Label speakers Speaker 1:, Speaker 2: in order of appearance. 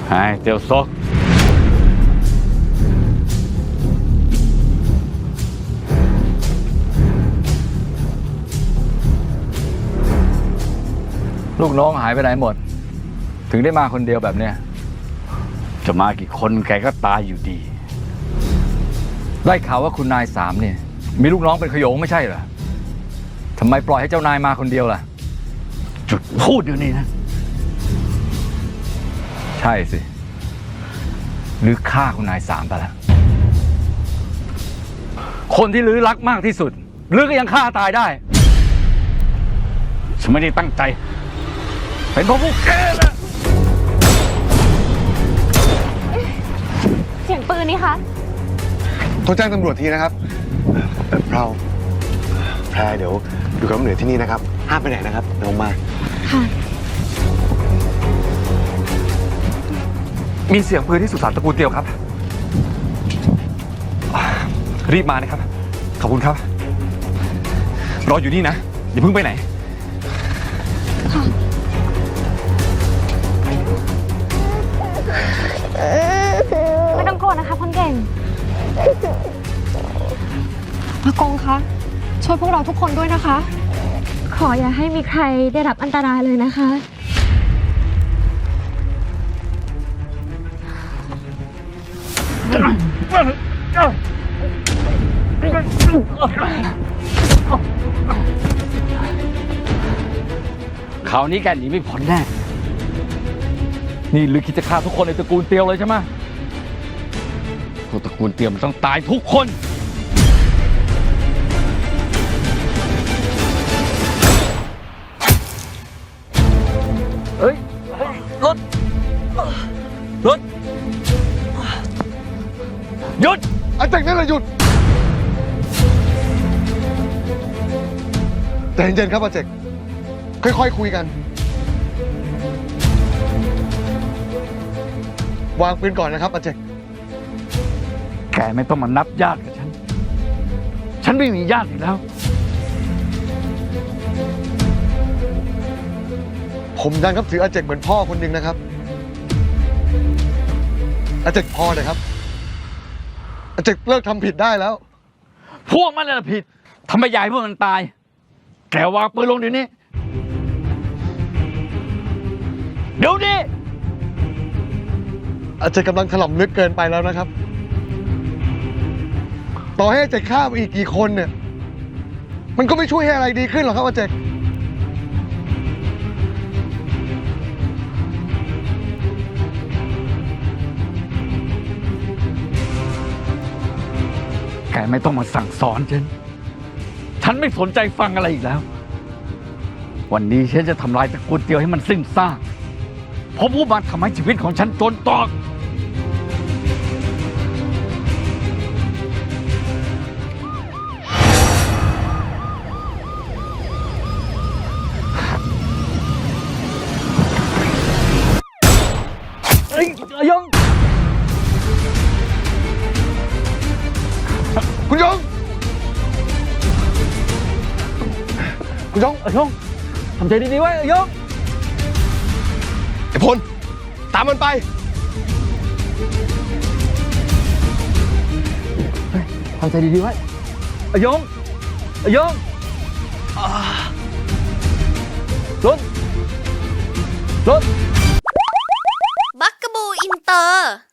Speaker 1: hai tiêu sốt
Speaker 2: ลูกน้องหายไปไหนหมดถึงได้มาคนเดียวแบบเนี้ย
Speaker 1: จะมากี่คนแกก็ตายอยู่ดี
Speaker 2: ได้ข่าวว่าคุณนายสามเนี่ยมีลูกน้องเป็นขโยงไม่ใช่เหรอทำไมปล่อยให้เจ้านายมาคนเดียวล่ะ
Speaker 1: จุดพูดอยู่นี่นะ
Speaker 2: ใช่สิหรือฆ่าคุณนายสามไปแล้วคนที่ลือรักมากที่สุดลือก็ยังฆ่าตายได้
Speaker 1: ฉันไม่ได้ตั้งใจเป็นเพราะพวกแกแหละ
Speaker 3: เสียงปืนนี่คะ
Speaker 4: โทรแจ้งตำรวจทีนะครับเราแพรเดี๋ยวอยู่กับน้ำเหนือที่นี่นะครับห้ามไปไหนนะครับเดี๋ยวมา
Speaker 3: ค่ะ
Speaker 5: มีเสียงปืนที่สุสานตระกูลเตียวครับรีบมานะครับขอบคุณครับรออยู่นี่นะอย่าเพิ่งไปไหน
Speaker 3: ไม่ต้องโกรธนะคะคนเก่งอากงคะช่วยพวกเราทุกคนด้วยนะคะขออย่าให้มีใครได้รับอันตรายเลยนะคะ
Speaker 1: คราวนี้แกหนีไม่พ้นแน่
Speaker 2: นี่ลือคิดจะฆ่าทุกคนในตระกูลเตียวเลยใช่ไหม
Speaker 1: พวกตระกูลเตียวมันต้องตายทุกคน
Speaker 2: เฮ้ยรถหยุด
Speaker 4: อาจารย์นั่นแหละหยุดแต่เย็นๆครับอาเจกค่อยๆคุยกันวางปืนก่อนนะครับอาเจก
Speaker 1: แกไม่ต้องมานับญาติกับฉันไม่มีญาติอีกแล้ว
Speaker 4: ผมยังนับถืออาเจกเหมือนพ่อคนหนึ่งนะครับอาเจกพอเลยครับอาเจกเลิกทำผิดได้แล้ว
Speaker 1: พวกมันน่ะผิดทำไมยายพวกมันตายแกวางปืนลงเดี๋ยวนี้เดี๋ยวนี้
Speaker 4: อาเจกกำลังถล่มลึกเกินไปแล้วนะครับต่อให้อาเจกฆ่าไปอีกกี่คนเนี่ยมันก็ไม่ช่วยให้อะไรดีขึ้นหรอกครับอาเจก
Speaker 1: แกไม่ต้องมาสั่งสอนฉันไม่สนใจฟังอะไรอีกแล้ววันนี้ฉันจะทำลายตระกูลเตียวให้มันสิ้นซากเพราะผู้มันทำให้ชีวิตของฉันจนตอก
Speaker 2: เฮ้ยยง
Speaker 4: คุณยง
Speaker 2: ยงทำใจดีๆไว้ยง
Speaker 4: ไอ้พลตามมันไป
Speaker 2: ทำใจดีๆไว้ยงรถ
Speaker 6: บักกะบูอินเตอร์